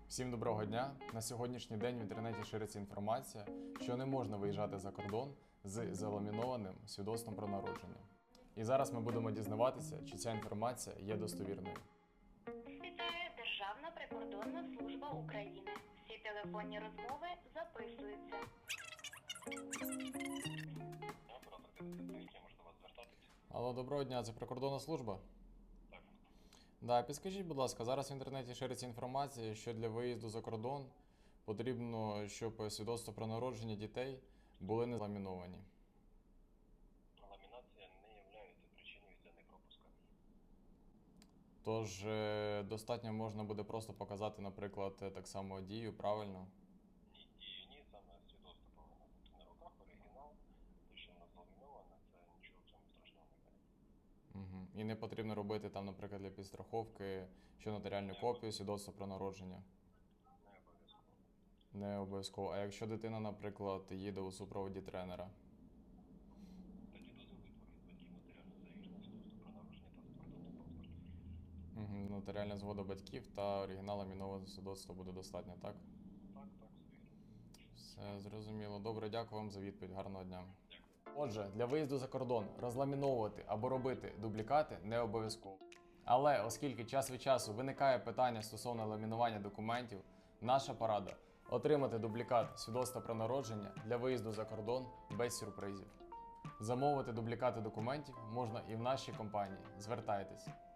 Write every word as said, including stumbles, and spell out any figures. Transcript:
Всім доброго дня! На сьогоднішній день в інтернеті шириться інформація, що не можна виїжджати за кордон з заламінованим свідоцтвом про народження. І зараз ми будемо дізнаватися, чи ця інформація є достовірною. Вітає Державна прикордонна служба України. Всі телефонні розмови записуються. Алло, доброго дня, це прикордонна служба? Так. Да, підскажіть, будь ласка, зараз в інтернеті шириться інформація, що для виїзду за кордон потрібно, щоб свідоцтво про народження дітей були не ламіновані. Ламінація не є причиною для непропуска. Тож е, достатньо можна буде просто показати, наприклад, так само дію, правильно? Ні, дію ні, саме свідоцтво повинно бути на руках, оригінал, те, що воно зламіноване, це нічого в цьому страшного немає. Угу. І не потрібно робити там, наприклад, для підстраховки, що нотаріальну копію, свідоцтво про народження. Не обов'язково. Не обов'язково. А якщо дитина, наприклад, їде у супроводі тренера? Тоді дозволить від батьків матеріально завірене свідоцтво про народження та закордонний паспорт. Угу. Нотаріальна згода батьків та оригінал ламінованого свідоцтва буде достатньо, так? Так, так, все вірно. Все зрозуміло. Добре, дякую вам за відповідь. Гарного дня. Дякую. Отже, для виїзду за кордон розламіновувати або робити дублікати не обов'язково. Але оскільки час від часу виникає питання стосовно ламінування документів, наша порада – отримати дублікат свідоцтва про народження для виїзду за кордон без сюрпризів. Замовити дублікати документів можна і в нашій компанії. Звертайтесь.